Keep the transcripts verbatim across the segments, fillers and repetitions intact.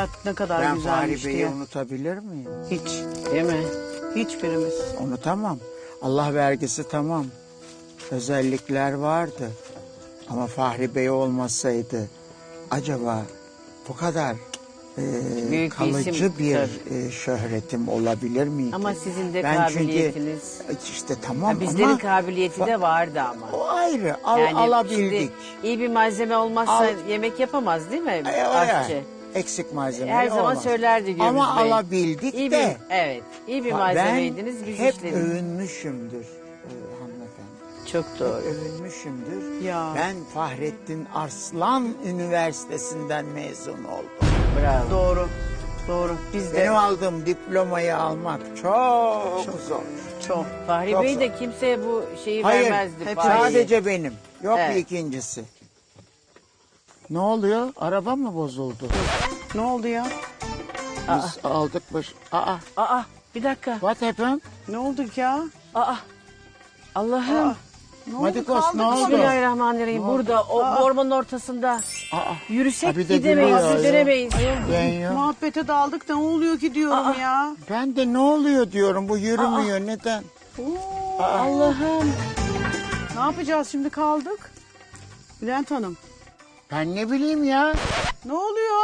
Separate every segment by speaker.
Speaker 1: hayat ne kadar
Speaker 2: Ben
Speaker 1: güzelmiş
Speaker 2: Fahri Bey'i
Speaker 1: diye.
Speaker 2: unutabilir miyim?
Speaker 1: Hiç, değil mi? Hiçbirimiz.
Speaker 2: Unutamam. Allah vergisi tamam. Özellikler vardı. Ama Fahri Bey olmasaydı acaba bu kadar e,
Speaker 1: Büyük bir
Speaker 2: kalıcı
Speaker 1: isim,
Speaker 2: bir
Speaker 1: tabii.
Speaker 2: e, şöhretim olabilir miydi?
Speaker 1: Ama sizin de
Speaker 2: Ben
Speaker 1: kabiliyetiniz.
Speaker 2: Çünkü, işte tamam
Speaker 1: Ha, bizlerin
Speaker 2: ama
Speaker 1: kabiliyeti de vardı ama.
Speaker 2: o ayrı. Al,
Speaker 1: Yani
Speaker 2: alabildik.
Speaker 1: şimdi iyi bir malzeme olmazsa
Speaker 2: Al-
Speaker 1: yemek yapamaz değil mi
Speaker 2: E, o
Speaker 1: aşçı?
Speaker 2: ya, eksik malzeme
Speaker 1: Her zaman
Speaker 2: olmaz.
Speaker 1: söylerdi Gürbüz
Speaker 2: Ama
Speaker 1: Bey.
Speaker 2: alabildik
Speaker 1: İyi
Speaker 2: de.
Speaker 1: bir, evet, iyi bir
Speaker 2: Ben
Speaker 1: malzemeydiniz biz
Speaker 2: hep
Speaker 1: işledik.
Speaker 2: övünmüşümdür e, hanımefendi.
Speaker 1: Çok doğru.
Speaker 2: Hep övünmüşümdür.
Speaker 1: Ya.
Speaker 2: Ben Fahrettin Arslan Üniversitesi'nden mezun oldum.
Speaker 1: Bravo. Doğru, doğru. Biz de
Speaker 2: Benim aldığım diplomayı almak çok, zor.
Speaker 1: çok. Fahri
Speaker 2: Çok
Speaker 1: Bey
Speaker 2: zor.
Speaker 1: de kimseye bu şeyi
Speaker 2: Hayır,
Speaker 1: vermezdi.
Speaker 2: hep
Speaker 1: Fahri'yi.
Speaker 2: sadece benim. Yok
Speaker 1: Evet.
Speaker 2: bir ikincisi. Ne oluyor? Araba mı bozuldu?
Speaker 1: Ne oldu ya?
Speaker 2: Biz aldık baş... Aa,
Speaker 1: Aa, bir dakika.
Speaker 2: what happened?
Speaker 1: Ne oldu ya? Aa, Allah'ım.
Speaker 2: Aa, Madikos ne oldu?
Speaker 1: Bismillahirrahmanirrahim. Burada o ormanın ortasında
Speaker 2: Aa,
Speaker 1: yürüsek
Speaker 2: ha bir de
Speaker 1: gidemeyiz,
Speaker 2: gülüyor.
Speaker 1: yürüyemeyiz.
Speaker 2: Ben yok.
Speaker 3: Muhabbete daldık da ne oluyor ki diyorum ya.
Speaker 2: Ben de ne oluyor diyorum, bu yürümüyor, neden?
Speaker 1: Allah'ım.
Speaker 3: Ne yapacağız şimdi kaldık? Bülent Hanım.
Speaker 2: Ben ne bileyim ya.
Speaker 3: Ne oluyor?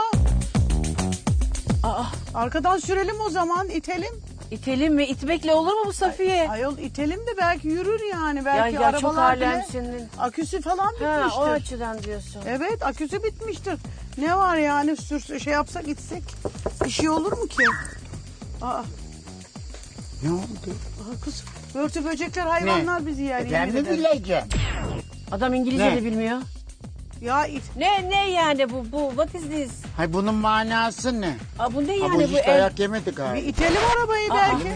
Speaker 1: Aa,
Speaker 3: Arkadan sürelim o zaman itelim.
Speaker 1: itelim mi? İtmekle olur mu bu Safiye?
Speaker 3: Ayol itelim de belki yürür yani.
Speaker 1: ya
Speaker 3: Belki
Speaker 1: ya çok
Speaker 3: arabalar bile
Speaker 1: alemsin.
Speaker 3: aküsü falan
Speaker 1: Ha,
Speaker 3: bitmiştir.
Speaker 1: o açıdan diyorsun.
Speaker 3: Evet aküsü bitmiştir. Ne var yani sür şey yapsak gitsek bir şey olur mu ki? Aa,
Speaker 2: Ne oldu?
Speaker 3: aa kız börtü böcekler hayvanlar bizi yer.
Speaker 2: E ben
Speaker 3: yemin
Speaker 2: mi
Speaker 3: ederim.
Speaker 2: bileceğim?
Speaker 1: Adam İngilizce
Speaker 2: Ne?
Speaker 1: de bilmiyor.
Speaker 3: Ya it.
Speaker 1: Ne ne yani bu bu what is this?
Speaker 2: Hay bunun manası ne?
Speaker 1: Aa, bu ne
Speaker 2: Ha, bu
Speaker 1: yani bu
Speaker 2: hiç
Speaker 1: el?
Speaker 2: dayak yemedi
Speaker 3: Bir
Speaker 2: galiba.
Speaker 3: itelim arabayı belki.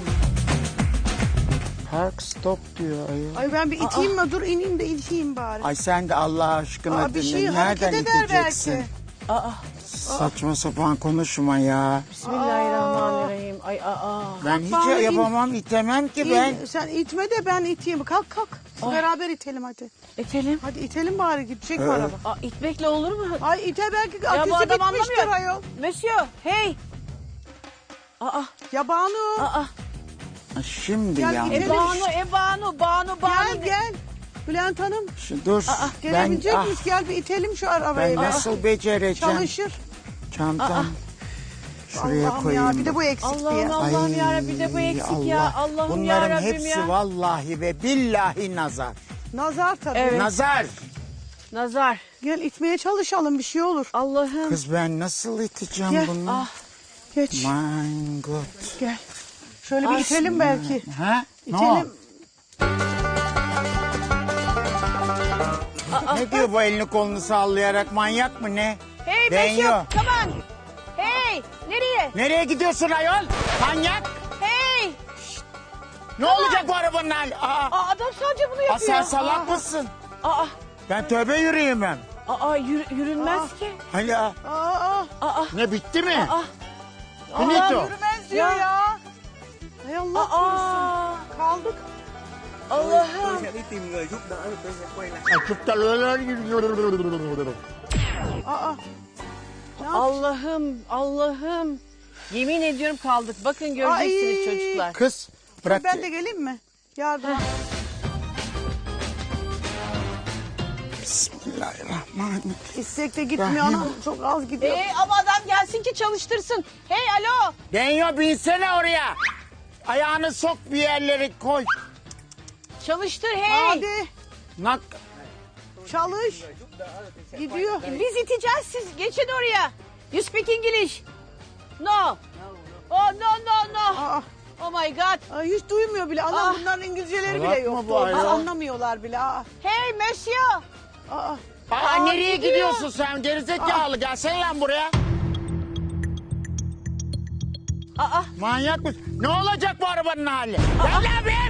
Speaker 2: Park stop diyor ayol.
Speaker 3: Ay ben bir iteyim mi? Dur ineyim de iteyim bari.
Speaker 2: Ay sen de Allah aşkına
Speaker 3: Aa, bir
Speaker 2: dinle.
Speaker 3: şey hareket
Speaker 2: Nereden
Speaker 3: eder
Speaker 2: iteceksin?
Speaker 3: belki.
Speaker 1: Aa,
Speaker 2: Saçma sapan konuşma ya.
Speaker 1: Bismillahirrahmanirrahim. Ay aa.
Speaker 2: Ben hiç
Speaker 3: bari in-
Speaker 2: yapamam, itemem ki
Speaker 3: İyi,
Speaker 2: ben.
Speaker 3: sen itme de ben iteyim. Kalk kalk.
Speaker 1: Ay.
Speaker 3: Beraber itelim hadi.
Speaker 1: İtelim.
Speaker 3: Hadi itelim bari gidecek mi
Speaker 2: Evet.
Speaker 3: araba?
Speaker 1: Aa, itmekle olur mu?
Speaker 3: Ay ite belki
Speaker 1: bu
Speaker 3: aküsü
Speaker 1: adam
Speaker 3: bitmiştir
Speaker 1: anlamıyor.
Speaker 3: ayol.
Speaker 1: Monsieur, hey. Aa,
Speaker 3: Ya Banu
Speaker 1: aa.
Speaker 2: Ha, Şimdi
Speaker 3: Gel
Speaker 2: ya.
Speaker 3: itelim.
Speaker 1: E Banu, e Banu, Banu, Banu.
Speaker 3: gel gel. Bülent Hanım
Speaker 2: Şu, dur. ben,
Speaker 3: gelebilecek
Speaker 2: ah,
Speaker 3: miyiz? Gel bir itelim şu
Speaker 2: ben
Speaker 3: arabayı. Aa,
Speaker 2: nasıl becereceğim?
Speaker 3: çalışır.
Speaker 2: Çantam. Şuraya
Speaker 3: Allah'ım
Speaker 2: koyayım.
Speaker 3: ya bir de bu eksikti
Speaker 1: Allah'ım
Speaker 3: ya.
Speaker 1: Allah'ım yarabbim bir de bu eksik ya. Allah'ım
Speaker 2: Bunların
Speaker 1: yarabbim
Speaker 2: hepsi
Speaker 1: ya.
Speaker 2: vallahi ve billahi nazar.
Speaker 3: Nazar tabii.
Speaker 1: Evet.
Speaker 2: Nazar.
Speaker 1: Nazar.
Speaker 3: Gel itmeye çalışalım bir şey olur.
Speaker 1: Allah'ım.
Speaker 2: Kız ben nasıl iteceğim
Speaker 3: Gel.
Speaker 2: bunu?
Speaker 1: Ah.
Speaker 3: Geç
Speaker 2: My God.
Speaker 3: gel. Şöyle bir
Speaker 1: Ay,
Speaker 3: itelim belki.
Speaker 2: Ha? Ne o?
Speaker 3: İtelim.
Speaker 2: Ne diyor bu elini kolunu sallayarak, manyak mı ne?
Speaker 1: Hey
Speaker 2: Ben
Speaker 1: Monsieur,
Speaker 2: yok.
Speaker 1: come on. Hey, nereye?
Speaker 2: Nereye gidiyorsun ayol? Manyak.
Speaker 1: Hey.
Speaker 2: Ne olacak bu arabanın hali? Aa,
Speaker 1: Aa, adam sadece bunu
Speaker 2: aa,
Speaker 1: yapıyor.
Speaker 2: sen salak mısın?
Speaker 1: Aa,
Speaker 2: Ben tövbe yürüyemem.
Speaker 1: aa, yürü, yürünmez ki.
Speaker 2: Hani aa,
Speaker 3: Aa,
Speaker 1: Aa,
Speaker 2: ne bitti mi?
Speaker 1: aa,
Speaker 2: Finito.
Speaker 3: yürümez diyor
Speaker 1: Ya.
Speaker 3: ya. Hay Allah korusun.
Speaker 1: aa.
Speaker 3: Kaldık.
Speaker 1: Allah'ım.
Speaker 3: Aa.
Speaker 1: Allah'ım, Allah'ım. Yemin ediyorum kaldık. Bakın göreceksiniz
Speaker 3: Ay.
Speaker 1: çocuklar.
Speaker 2: Kız bırak.
Speaker 3: Ben de geleyim mi? Yardım.
Speaker 2: Bismillahirrahmanirrahim.
Speaker 3: İstek de gitmiyor
Speaker 2: Rahim.
Speaker 3: anam. Çok az gidiyor.
Speaker 1: Ee, ama adam gelsin ki çalıştırsın. Hey alo.
Speaker 2: Denyo binsene oraya. Ayağını sok bir yerlere koy.
Speaker 1: Çalıştır hey.
Speaker 3: Hadi
Speaker 2: Nak.
Speaker 3: çalış. Gidiyor.
Speaker 1: Biz iteceğiz siz. Geçin oraya. You speak English. No. Oh no no no.
Speaker 3: Aa,
Speaker 1: Oh my god.
Speaker 3: ay, hiç duymuyor bile. Anam
Speaker 1: Ah.
Speaker 3: bunların İngilizceleri
Speaker 2: Salak
Speaker 3: bile
Speaker 2: mı
Speaker 3: yok.
Speaker 2: bu ayol?
Speaker 3: Anlamıyorlar bile. Aa,
Speaker 1: Hey monsieur.
Speaker 3: aa.
Speaker 2: Aa,
Speaker 1: Aa,
Speaker 2: nereye
Speaker 1: gidiyor.
Speaker 2: gidiyorsun sen gerizekalı? Gelsene lan buraya.
Speaker 1: Aa.
Speaker 2: Manyak mısın? Ne olacak bu arabanın hali? Gel lan be!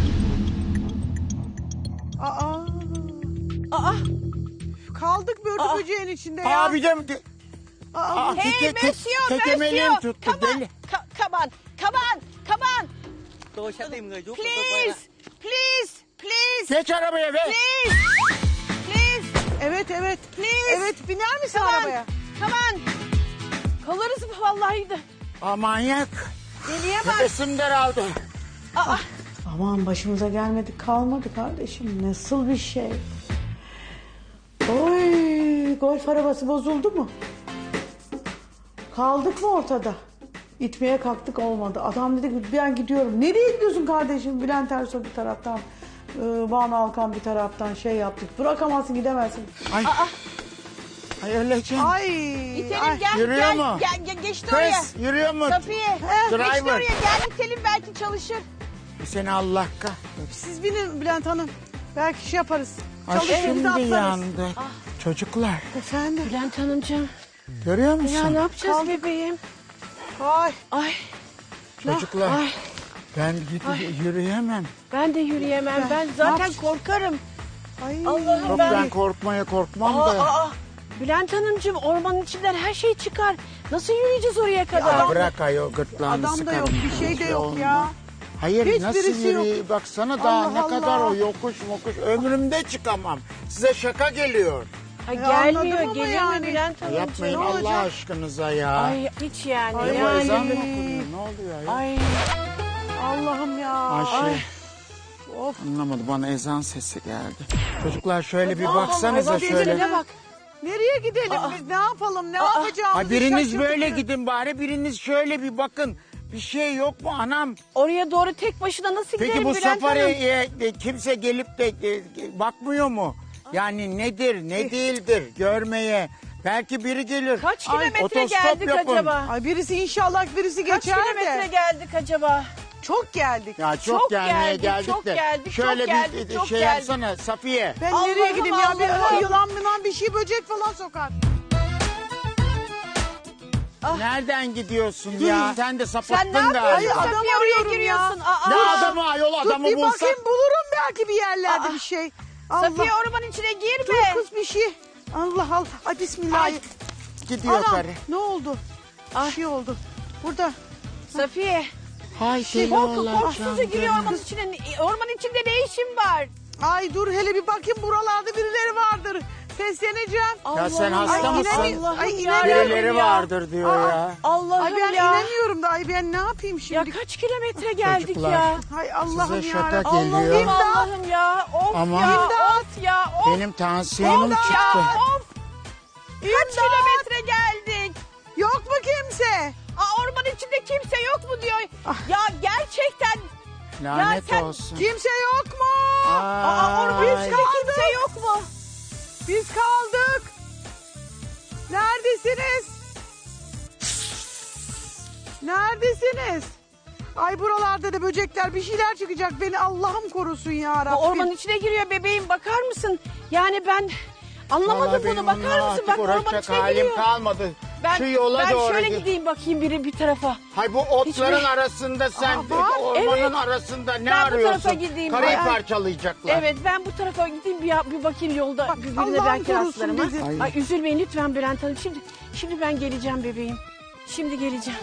Speaker 3: Aa.
Speaker 1: Aa.
Speaker 3: Kaldık börtü
Speaker 1: Aa.
Speaker 3: böceğin içinde ya.
Speaker 2: Abi de...
Speaker 3: Aa,
Speaker 2: Aa,
Speaker 1: Hey
Speaker 2: teke- te-
Speaker 1: monsieur,
Speaker 2: tekemeliğim
Speaker 1: monsieur.
Speaker 2: tuttu,
Speaker 1: Come on.
Speaker 2: deli.
Speaker 1: Ka- Come on. Come on. Come on.
Speaker 4: Tôi sẽ tìm người giúp của tôi quay
Speaker 1: Please.
Speaker 4: lại.
Speaker 1: Please. Please.
Speaker 2: Geç arabaya be.
Speaker 1: Please. Please.
Speaker 3: evet evet.
Speaker 1: Please.
Speaker 3: Evet biner misin
Speaker 1: Come on.
Speaker 3: arabaya?
Speaker 1: Come on. Kalırız vallahi de.
Speaker 2: Aa, manyak.
Speaker 1: Deliye bak.
Speaker 2: Nefesim daraldı.
Speaker 1: Aa,
Speaker 3: Aman başımıza gelmedi kalmadı kardeşim. Nasıl bir şey? Oy, golf arabası bozuldu mu? Kaldık mı ortada? İtmeye kalktık olmadı. Adam dedi ki ben gidiyorum. Nereye gidiyorsun kardeşim? Bülent Ersoy bir taraftan, e, Banu Alkan bir taraftan şey yaptık. Bırakamazsın gidemezsin.
Speaker 2: Ay. Ay öleceğim.
Speaker 3: Ay.
Speaker 1: itelim
Speaker 3: ay.
Speaker 1: gel
Speaker 2: Yürüyor
Speaker 1: gel,
Speaker 2: mu?
Speaker 1: gel gel geçti oraya.
Speaker 2: Kız yürüyor mu?
Speaker 1: Safiye. Geçti
Speaker 2: Driver.
Speaker 1: oraya gel itelim belki çalışır.
Speaker 2: Seni Allah kahretsin.
Speaker 3: Siz binin Bülent Hanım. Belki şey yaparız.
Speaker 2: Ay
Speaker 3: Çalışır biz de
Speaker 2: şimdi
Speaker 3: atlarız.
Speaker 2: yandı. Çocuklar
Speaker 3: Efendim.
Speaker 1: Bülent Hanımcığım.
Speaker 2: görüyor musun?
Speaker 1: Ya ne yapacağız
Speaker 3: Kaldık.
Speaker 1: bebeğim?
Speaker 3: Ay.
Speaker 1: Ay
Speaker 2: Çocuklar
Speaker 1: ay
Speaker 2: ben gidip yürüyemem.
Speaker 1: ben de yürüyemem.
Speaker 3: Ben-
Speaker 1: Ben
Speaker 3: ne
Speaker 1: zaten
Speaker 3: yapacağız?
Speaker 1: korkarım.
Speaker 3: Ay.
Speaker 1: Allah'ım
Speaker 2: Yok
Speaker 1: ben.
Speaker 2: ben korkmaya korkmam
Speaker 1: Aa,
Speaker 2: da.
Speaker 1: aa, Bülent Hanımcığım ormanın içinden her şey çıkar. Nasıl yürüyeceğiz oraya kadar?
Speaker 2: Ya bırak ayol gırtlağını
Speaker 3: Adam da yok,
Speaker 2: sıkarım.
Speaker 3: bir şey de yok
Speaker 2: olmaz.
Speaker 3: ya.
Speaker 2: Hayır
Speaker 3: Hiçbirisi
Speaker 2: nasıl yürüyeyim?
Speaker 3: yok.
Speaker 2: Baksana daha
Speaker 3: Allah
Speaker 2: ne kadar
Speaker 3: Allah.
Speaker 2: o yokuş mokuş. Ömrümde çıkamam. Size şaka geliyor.
Speaker 1: Ay,
Speaker 3: Ya
Speaker 1: gelmiyor,
Speaker 3: anladım ama
Speaker 1: geliyor
Speaker 3: yani.
Speaker 1: mu Bülent Hanımcığım?
Speaker 2: Yapmayın
Speaker 3: ne
Speaker 2: Allah
Speaker 3: olacak?
Speaker 2: aşkınıza ya.
Speaker 1: Ay hiç yani.
Speaker 3: Ay,
Speaker 2: Ne bu
Speaker 1: yani.
Speaker 2: ezan mı okunuyor? Ne oluyor ya?
Speaker 1: Ay,
Speaker 3: Allah'ım ya.
Speaker 2: Ayşe.
Speaker 3: Ay. Of.
Speaker 2: Anlamadım bana ezan sesi geldi. Çocuklar şöyle bir
Speaker 1: Allah
Speaker 2: baksanıza
Speaker 1: Allah,
Speaker 2: şöyle.
Speaker 1: gecelerine bak.
Speaker 3: Nereye gidelim biz? Ne yapalım? Ne yapacağımızı
Speaker 2: Ay biriniz
Speaker 3: şaşırdık.
Speaker 2: böyle gidin bari biriniz şöyle bir bakın. Bir şey yok mu anam?
Speaker 1: Oraya doğru tek başına nasıl
Speaker 2: Peki
Speaker 1: gidelim
Speaker 2: bu
Speaker 1: Bülent Hanım?
Speaker 2: safariye e, kimse gelip de e, bakmıyor mu? Yani nedir ne değildir görmeye. Belki biri gelir.
Speaker 1: Kaç
Speaker 2: Ay,
Speaker 1: kilometre
Speaker 2: otostop
Speaker 1: geldik
Speaker 2: yapın.
Speaker 1: acaba?
Speaker 3: Ay birisi inşallah birisi
Speaker 1: Kaç
Speaker 3: geçer
Speaker 1: kilometre
Speaker 3: de.
Speaker 1: geldik acaba?
Speaker 3: Çok geldik.
Speaker 2: Ya çok,
Speaker 1: Çok
Speaker 2: gelmeye
Speaker 1: geldik,
Speaker 2: geldik
Speaker 1: çok
Speaker 2: de.
Speaker 1: geldik,
Speaker 2: Şöyle
Speaker 1: çok
Speaker 2: bir
Speaker 1: geldik,
Speaker 2: e,
Speaker 1: çok
Speaker 2: şey
Speaker 1: geldik.
Speaker 2: yapsana Safiye.
Speaker 3: Ben
Speaker 1: Allah'ım,
Speaker 3: nereye gideyim ya? Bir
Speaker 1: Allah'ım.
Speaker 3: yılan mılan bir şey böcek falan sokar.
Speaker 2: Nereden gidiyorsun ya? Sen de sapattın
Speaker 1: Sen ne yapıyorsun?
Speaker 2: galiba.
Speaker 3: Ay, adam
Speaker 1: Safiye oraya
Speaker 3: arıyorum
Speaker 1: giriyorsun.
Speaker 3: ya.
Speaker 1: Aa,
Speaker 2: Ne
Speaker 1: aa.
Speaker 2: adamı ayol adamı
Speaker 3: Dur bir
Speaker 2: bulsak.
Speaker 3: bakayım bulurum belki bir yerlerde
Speaker 1: Aa.
Speaker 3: bir şey. Allah.
Speaker 1: Safiye ormanın içine girme.
Speaker 3: Dur kız bir şey. Allah Allah. Ay bismillah.
Speaker 1: Ay.
Speaker 2: Gidiyor
Speaker 3: Anam
Speaker 2: karı.
Speaker 3: ne oldu?
Speaker 1: Ay.
Speaker 3: Bir şey oldu. Burada.
Speaker 1: Safiye.
Speaker 2: Hay deli
Speaker 1: Korku
Speaker 2: olacağım
Speaker 1: korkusuzca giriyor
Speaker 2: canım.
Speaker 1: ormanın içine. Ormanın içinde ne işin var?
Speaker 3: Ay dur hele bir bakayım buralarda birileri vardır. Sesleneceğim.
Speaker 2: Ya sen
Speaker 1: Allah'ım,
Speaker 2: hasta
Speaker 3: Ay,
Speaker 2: mısın?
Speaker 3: inanamıyorum.
Speaker 1: Allah'ım
Speaker 3: Ay,
Speaker 1: ya.
Speaker 3: inanamıyorum
Speaker 2: Birileri
Speaker 3: ya.
Speaker 2: vardır diyor
Speaker 3: Aa.
Speaker 2: ya.
Speaker 1: Allah'ım
Speaker 3: Ay ben
Speaker 1: ya.
Speaker 3: inanıyorum da ay ben ne yapayım
Speaker 1: Ya
Speaker 3: şimdi?
Speaker 1: kaç kilometre geldik
Speaker 2: Çocuklar.
Speaker 1: ya.
Speaker 3: Hay Allah'ım
Speaker 2: Size
Speaker 3: ya.
Speaker 2: şaka
Speaker 3: Rabbim.
Speaker 2: geliyor.
Speaker 1: Allah'ım
Speaker 3: İmdat.
Speaker 1: Allah'ım ya. Of
Speaker 2: Aman.
Speaker 1: ya.
Speaker 3: İmdat.
Speaker 1: Of ya. Of.
Speaker 2: Benim tansiyonum
Speaker 1: Of
Speaker 2: çıktı.
Speaker 1: ya. Of. Kaç
Speaker 3: İmdat.
Speaker 1: kilometre geldik?
Speaker 3: Yok mu kimse?
Speaker 1: Aa, ormanın içinde kimse yok mu diyor.
Speaker 3: Ah.
Speaker 1: Ya gerçekten.
Speaker 2: Lanet
Speaker 1: sen-
Speaker 2: olsun.
Speaker 3: Kimse yok mu?
Speaker 1: Aa, ormanın
Speaker 2: Ay.
Speaker 1: içinde kimse yok mu?
Speaker 3: Biz kaldık. Neredesiniz? Neredesiniz? Ay buralarda da böcekler bir şeyler çıkacak. Beni Allah'ım korusun ya
Speaker 1: Bu
Speaker 3: Rabbim.
Speaker 1: ormanın içine giriyor bebeğim, bakar mısın? Yani ben anlamadım
Speaker 2: Vallahi
Speaker 1: bunu,
Speaker 2: benim
Speaker 1: bakar
Speaker 2: onunla
Speaker 1: mısın?
Speaker 2: artık
Speaker 1: Bak ormanın
Speaker 2: uğraşacak
Speaker 1: içine
Speaker 2: halim
Speaker 1: giriyor.
Speaker 2: kalmadı.
Speaker 1: Ben,
Speaker 2: Şu yola
Speaker 1: ben
Speaker 2: doğru
Speaker 1: şöyle
Speaker 2: git.
Speaker 1: gideyim bakayım biri bir tarafa.
Speaker 2: Hay bu otların
Speaker 1: Hiçbir-
Speaker 2: arasında sen
Speaker 3: Aa, var.
Speaker 2: ormanın
Speaker 1: Evet.
Speaker 2: arasında ne
Speaker 1: Ben bu
Speaker 2: arıyorsun?
Speaker 1: tarafa gideyim.
Speaker 2: Karayı
Speaker 1: Ay.
Speaker 2: parçalayacaklar.
Speaker 1: Evet, ben bu tarafa gideyim bir, bir bakayım yolda
Speaker 3: Bak,
Speaker 1: birbirine
Speaker 3: Allah'ım
Speaker 1: belki
Speaker 3: korusun
Speaker 1: rastlarım. ha.
Speaker 3: dedi.
Speaker 2: Ay.
Speaker 1: Ay üzülmeyin lütfen Bülent Hanım. Şimdi şimdi ben geleceğim bebeğim. Şimdi geleceğim.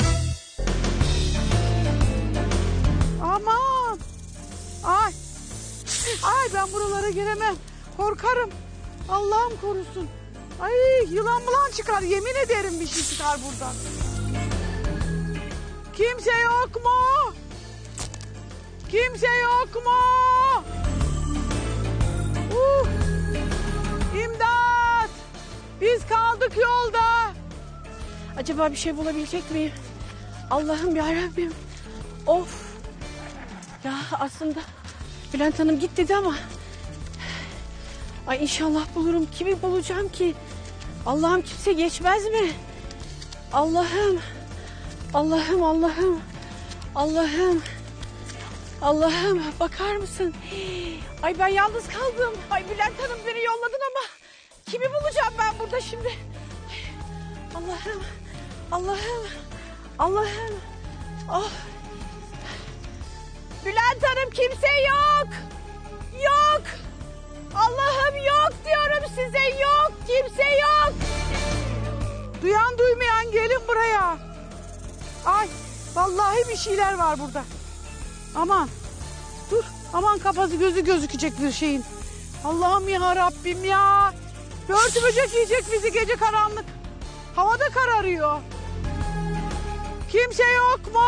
Speaker 3: Aman. Ay. Ay ben buralara giremem. Korkarım. Allah'ım korusun. Ay yılan bulan çıkar. Yemin ederim bir şey çıkar buradan. Kimse yok mu? Kimse yok mu? Uh. İmdat. Biz kaldık yolda.
Speaker 1: Acaba bir şey bulabilecek miyim? Allah'ım yarabbim. Of. Ya aslında Bülent Hanım git dedi ama. Ay inşallah bulurum. Kimi bulacağım ki? Allah'ım kimse geçmez mi? Allah'ım. Allah'ım Allah'ım. Allah'ım. Allah'ım bakar mısın? Ay ben yalnız kaldım. Ay Bülent Hanım beni yolladın ama kimi bulacağım ben burada şimdi? Ay, Allah'ım. Allah'ım. Allah'ım. Oh. Bülent Hanım kimse yok. Yok. Allah'ım yok diyorum size, yok. Kimse yok.
Speaker 3: Duyan duymayan gelin buraya. Ay vallahi bir şeyler var burada. Aman dur aman kafası gözü gözükecek bir şeyin. Allah'ım ya Rabbim ya. Börtü böcek yiyecek bizi gece karanlık. Havada kararıyor. Kimse yok mu?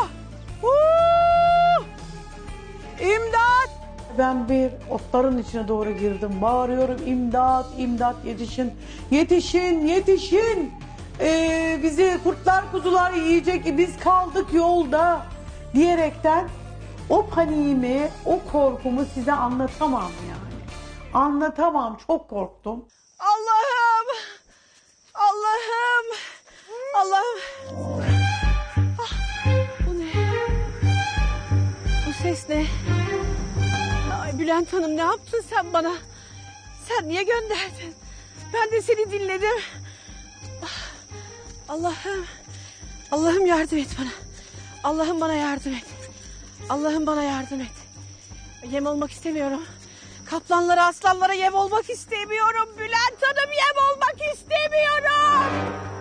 Speaker 3: Huu! İmdat! Ben bir otların içine doğru girdim. Bağırıyorum imdat, imdat yetişin. Yetişin, yetişin. Ee, bizi kurtlar kuzular yiyecek. Biz kaldık yolda diyerekten o paniğimi, o korkumu size anlatamam yani. Anlatamam. Çok korktum.
Speaker 1: Allah'ım. Allah'ım. Allah'ım. Ah, bu ne? Bu ses ne? Ay Bülent Hanım ne yaptın sen bana? Sen niye gönderdin? Ben de seni dinledim. Ah, Allah'ım. Allah'ım yardım et bana. Allah'ım bana yardım et. Allah'ım bana yardım et. Yem olmak istemiyorum. Kaplanlara, aslanlara yem olmak istemiyorum. Bülent Hanım yem olmak istemiyorum.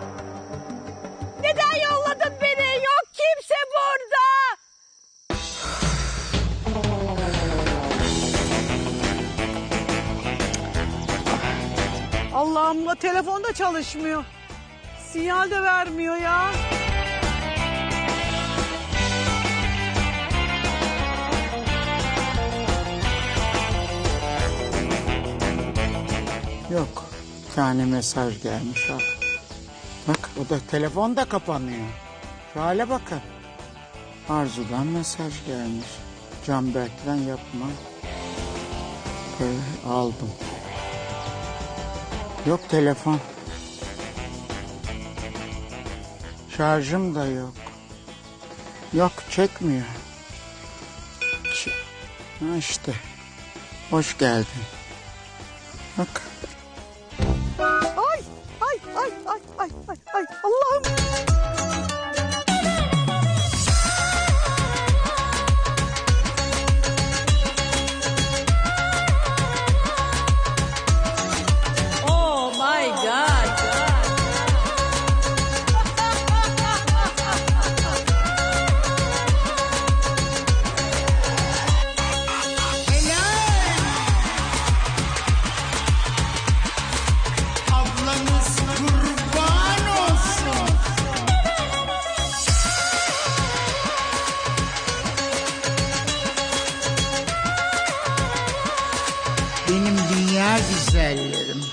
Speaker 1: Neden yolladın beni? Yok kimse burada.
Speaker 3: Allah'ım da telefon da çalışmıyor. Sinyal de vermiyor ya.
Speaker 2: Yok. Bir tane mesaj gelmiş al. Bak o da telefon da kapanıyor. Şu hale bakın. Arzu'dan mesaj gelmiş. Canberk'ten yapma. Böyle aldım. Yok telefon. Şarjım da yok. Yok çekmiyor. Ç- ha işte. Hoş geldin. Bak.
Speaker 3: Ay, ay, ay, ay, ay, ay, ay. Allah'ım.
Speaker 1: Oh my God.
Speaker 2: Ablanız kurban olsun. Benim dünya güzellerim.